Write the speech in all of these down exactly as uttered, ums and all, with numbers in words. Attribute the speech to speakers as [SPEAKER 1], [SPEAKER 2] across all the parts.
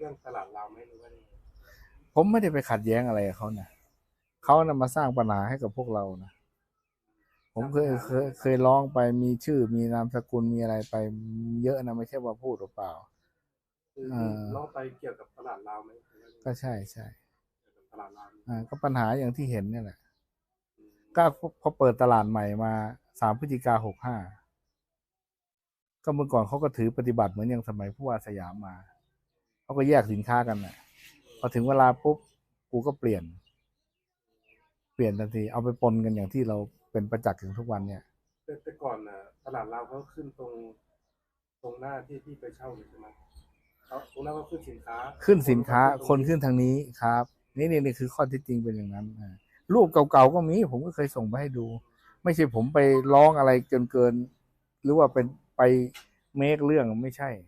[SPEAKER 1] รื่องตลาดเราไหมหรือว่า
[SPEAKER 2] ผมไม่ได้ไปขัดแย้งอะไรกับเขานะเขานำมาสร้างปัญหาให้กับพวกเรานะผมเคยเคยเคยร้องไปมีชื่อมีนามสกุลมีอะไรไปเยอะนะไม่ใช่ว่าพูดเปล่า
[SPEAKER 1] คือร้องไปเกี่ยวกับตลาดเราไหม
[SPEAKER 2] ก็ใช่ใช่
[SPEAKER 1] เกี่ยวกับตลาดเรา
[SPEAKER 2] อ่าก็ปัญหาอย่างที่เห็นนี่แหละก็พอเปิดตลาดใหม่มาสามพฤศจิกาหกห้าก็เมื่อก่อนเขาก็ถือปฏิบัติเหมือนอย่างสมัยผู้ว่าสยามมาเขาก็แยกสินค้ากันนะพอถึงเวลาปุ๊บกูก็เปลี่ยนเปลี่ยนทันทีเอาไปปนกันอย่างที่เราเป็นประจักษ์ถึงทุกวันเนี่ย
[SPEAKER 1] แต่ก่อนน่ะตลาดเราเขาขึ้นตรงตรงหน้าที่ที่ไปเช่าใช่ไหมเขาตรงนั้นเขาขึ้นสินค้า
[SPEAKER 2] ขึ้นสินค้าคนขึ้นทางนี้ครับนี่นี่นี่คือข้อที่จริงเป็นอย่างนั้นรูปเก่าๆก็มีผมก็เคยส่งไปให้ดูไม่ใช่ผมไปร้องอะไรเกินเกินหรือว่าเป็นไปเมคเรื่องไม่ใช่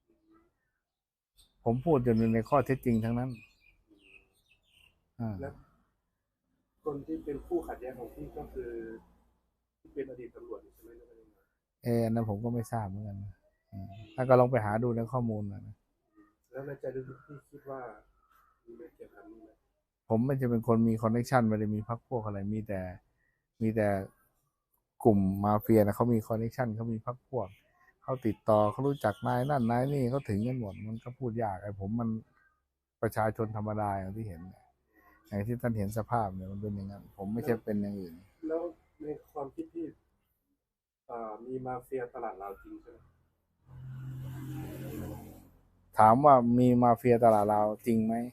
[SPEAKER 2] ผมพูดอยู่ในข้อเท็จจริงทั้งนั้น
[SPEAKER 1] แล้วคนที่เป็นผู้ขัดแย้งของพี่ก็คือที่เป็นอดีตตำรวจใช่ไหม
[SPEAKER 2] เออนะผมก็ไม่ทราบเหมือนกันถ้าก็ลองไปหาดูในข้อมูลนะ
[SPEAKER 1] แล้วในใจลึกๆพี่คิดว่ามีไม่เกี่ยวกับนี้ไหม
[SPEAKER 2] ผมไม่จะเป็นคนมีคอนเนคชันไม่ได้มีพรรคพวกอะไรมีแต่มีแต่กลุ่มมาเฟียนะเขามีคอนเนคชันเขามีพรรคพวกเขาติดต่อเขารู้จักนายนั่นนายนี่เขาถึงกันหมดมันก็พูดยากไอ้ผมมันประชาชนธรรมดาอย่างที่เห็นอย่างที่ท่านเห็นสภาพเนี่ยมันเป็นอย่างนั้นผมไม่ใช่เป็นอย่างอื่น
[SPEAKER 1] แล้วในความคิดที่มีมาเฟียตลาดเราจริงใช่ไหม
[SPEAKER 2] ถามว่ามีมาเฟียตลาดเราจริงไหม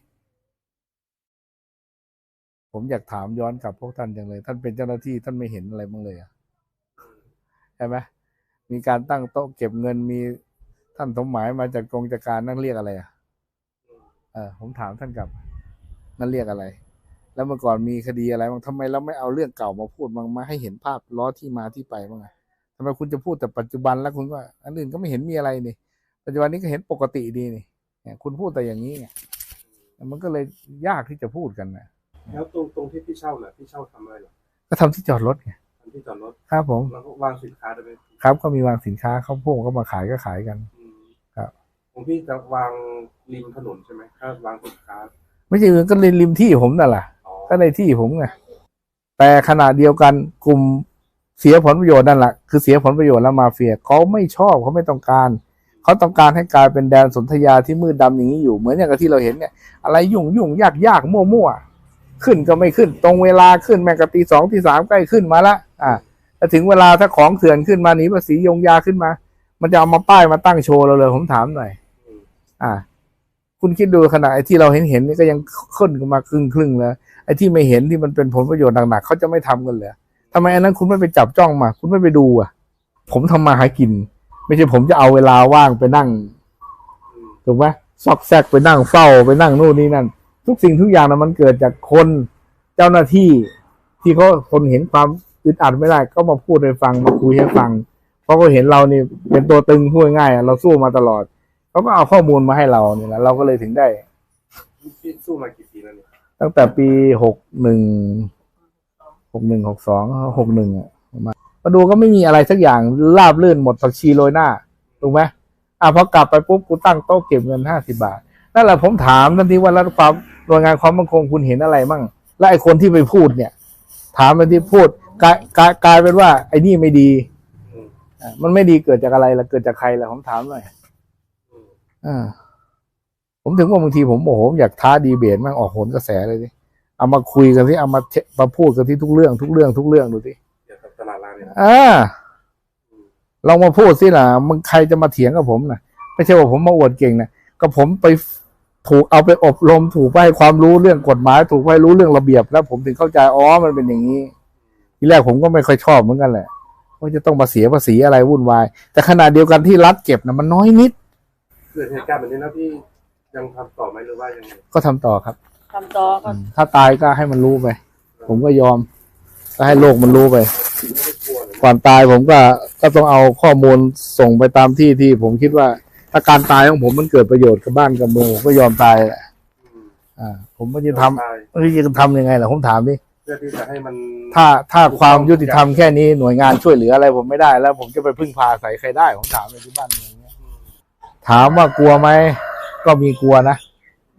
[SPEAKER 2] ผมอยากถามย้อนกลับพวกท่านจังเลยท่านเป็นเจ้าหน้าที่ท่านไม่เห็นอะไรบ้างเลยใช่ไหมมีการตั้งโต๊ะเก็บเงินมีท่านสมหมายมาจากกองจัดการนั่นเรียกอะไรอ่ะเออผมถามท่านกลับนั่นเรียกอะไรแล้วเมื่อก่อนมีคดีอะไรบ้างทำไมเราไม่เอาเรื่องเก่ามาพูดมามาให้เห็นภาพล้อที่มาที่ไปบ้างไงทำไมคุณจะพูดแต่ปัจจุบันแล้วคุณก็อันอื่นก็ไม่เห็นมีอะไรนี่ปัจจุบันนี้ก็เห็นปกติดีนี่คุณพูดแต่อย่างนี้ไงมันก็เลยยากที่จะพูดกันนะ
[SPEAKER 1] แล้วตรงตรงที่พี่เช่าน่ะพี่เช่าทำอะไรหรอ
[SPEAKER 2] ก็ทำที่จอดรถไง
[SPEAKER 1] ทำที่จอดรถ
[SPEAKER 2] ครับผม
[SPEAKER 1] แล้วก็วางสินค้าได้ไหม
[SPEAKER 2] ครับก็มีวางสินค้าเขาพวกก็มาขายก็ขายกันครับ
[SPEAKER 1] ของพี่จะวางริมถนนใช่ไหมถ้าวางสินค้า
[SPEAKER 2] ไม่ใช่ก็ริมริมที่ผมนั่นแหละก็ในที่ผมไงแต่ขณะเดียวกันกลุ่มเสียผลประโยชน์นั่นแหละคือเสียผลประโยชน์แล้วมาเฟียเขาไม่ชอบเขาไม่ต้องการเขาต้องการให้กลายเป็นแดนสนธยาที่มืดดำอย่างนี้อยู่เหมือนอย่างที่เราเห็นเนี่ยอะไรยุ่งยุ่งยากยากมั่วมั่วขึ้นก็ไม่ขึ้นตรงเวลาขึ้นแม้กระตีสองตีสามใกล้ขึ้นมาละอ่าแต่ถึงเวลาถ้าของเถื่อนขึ้นมาหนีภาษียงยาขึ้นมามันจะเอามาป้ายมาตั้งโชว์เราเลยผมถามหน่อยอ่าคุณคิดดูขนาดไอ้ที่เราเห็นเห็นนี่ก็ยังขึ้นมาครึ่งครึ่งแล้วไอ้ที่ไม่เห็นที่มันเป็นผลประโยชน์หนักๆเขาจะไม่ทำกันเลยทำไมอันนั้นคุณไม่ไปจับจ้องมาคุณไม่ไปดูอ่ะผมทำมาหากินไม่ใช่ผมจะเอาเวลาว่างไปนั่งถูกไหมซอกแซกไปนั่งเฝ้าไปนั่งนู่นนี่นั่นทุกสิ่งทุกอย่างนะมันเกิดจากคนเจ้าหน้าที่ที่เขาคนเห็นความอึดอัดไม่ได้ก็มาพูดให้ฟังมาคุยให้ฟังเพราะเขาเห็นเรานี่เป็นตัวตึงพูดง่ายเราสู้มาตลอดเขาก็เอาข้อมูลมาให้เราเนี่ยแหละเราก็เลยถึงได้
[SPEAKER 1] สู้มากี่ปีแล้วเนี่ย
[SPEAKER 2] ตั้งแต่ปีหกหนึ่งหกหนึ่งหกสองหกหนึ่งอ่ะมามาดูก็ไม่มีอะไรสักอย่างราบลื่นหมดผักชีโรยหน้าถูกไหมอ่ะพอกลับไปปุ๊บกูตั้งโต๊ะเก็บเงินห้าสิบบาทนั่นแหละผมถามทันทีว่าแล้วความหน่วยงานความมั่นคงคุณเห็นอะไรมั่งและไอ้คนที่ไปพูดเนี่ยถามทันทีพูดกลายกลายกลายเป็นว่าไอ้นี่ไม่ดีอ่ามันไม่ดีเกิดจากอะไรล่ะเกิดจากใครล่ะผมถามหน่อยอ่าผมถึงว่าบางทีผมโอ้โหอยากท้าดีเบตมั่งออกโหนกระแสเลยดิเอามาคุยกันที่เอามามาพูดกันที่ทุกเรื่องทุกเรื่องทุกเรื่องดูสิ
[SPEAKER 1] เกี่ยวกับตลาดเราเนี่ย
[SPEAKER 2] อ่าลองมาพูดสิล่ะมึงใครจะมาเถียงกับผมนะไม่ใช่ว่าผมมาอวดเก่งนะก็ผมไปถูกเอาไปอบรมถูกไปให้ความรู้เรื่องกฎหมายถูกไปรู้เรื่องระเบียบแล้วผมถึงเข้าใจอ๋อมันเป็นอย่างนี้ทีแรกผมก็ไม่ค่อยชอบเหมือนกันแหละว่าจะต้องมาเสียภาษีอะไรวุ่นวายแต่ขณะเดียวกันที่รัฐเก็บนะมันน้อยนิด
[SPEAKER 1] เกิดเหตุการณ์แบบนี้นะพี่ยังทำต่อไหมหรือว่ายังไง
[SPEAKER 2] ก็ทำต่อครับ
[SPEAKER 3] ทำต่อก็
[SPEAKER 2] ถ้าตายก็ให้มันรู้ไปผมก็ยอมก็ให้โลกมันรู้ไปก่อนตายผมก็ก็ต้องเอาข้อมูลส่งไปตามที่ที่ผมคิดว่าถ้าการตายของผมมันเกิดประโยชน์กับบ้านกับเมืองผมก็ยอมตายแหละอ่าผมไม่จะทำไม่จะทำยังไงล่ะผมถามดิ
[SPEAKER 1] เพื่อที่จะให้มัน
[SPEAKER 2] ถ้าถ้าความยุติธรรมแค่นี้หน่วยงานช่วยเหลืออะไรผมไม่ได้แล้วผมจะไปพึ่งพาใส่ใครได้ผมถามในที่บ้านเมืองเนี้ยถามว่ากลัวไหมก็มีกลัวนะ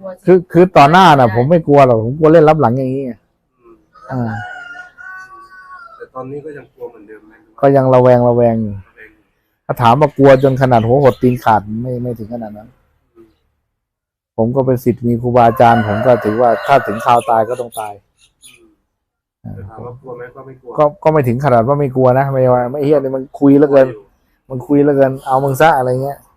[SPEAKER 3] ลัวสิ
[SPEAKER 2] คือคือต่อหน้าน่ะ ผมไม่กลัวหรอกผมกลัวเล่นรับหลังอย่างนี้ไง
[SPEAKER 1] อืม
[SPEAKER 2] อ่า
[SPEAKER 1] แต่ตอนนี้ก็ยังกลัวเหมือนเดิมไหม
[SPEAKER 2] ก็ยังระแวงระแวงอยู่ถ้าถามว่ากลัวจนขนาดหัวหดตีนขาดไม่ไม่ถึงขนาดนั้น ผมก็เป็นศิษย์มีครูบาอาจารย์ผมก็ถือว่าถ้าถึงคราวตายก็ต้องตาย
[SPEAKER 1] อืมแต่ถามว่ากลัวไหมก็ไม่กลัว
[SPEAKER 2] ก็ก็ไม่ถึงขนาดว่าไม่กลัวนะไม่ว่าไม่เฮียนี่มันคุยเหลือเกิน มันคุยเหลือเกินเอามึงซะอะไรเงี้ย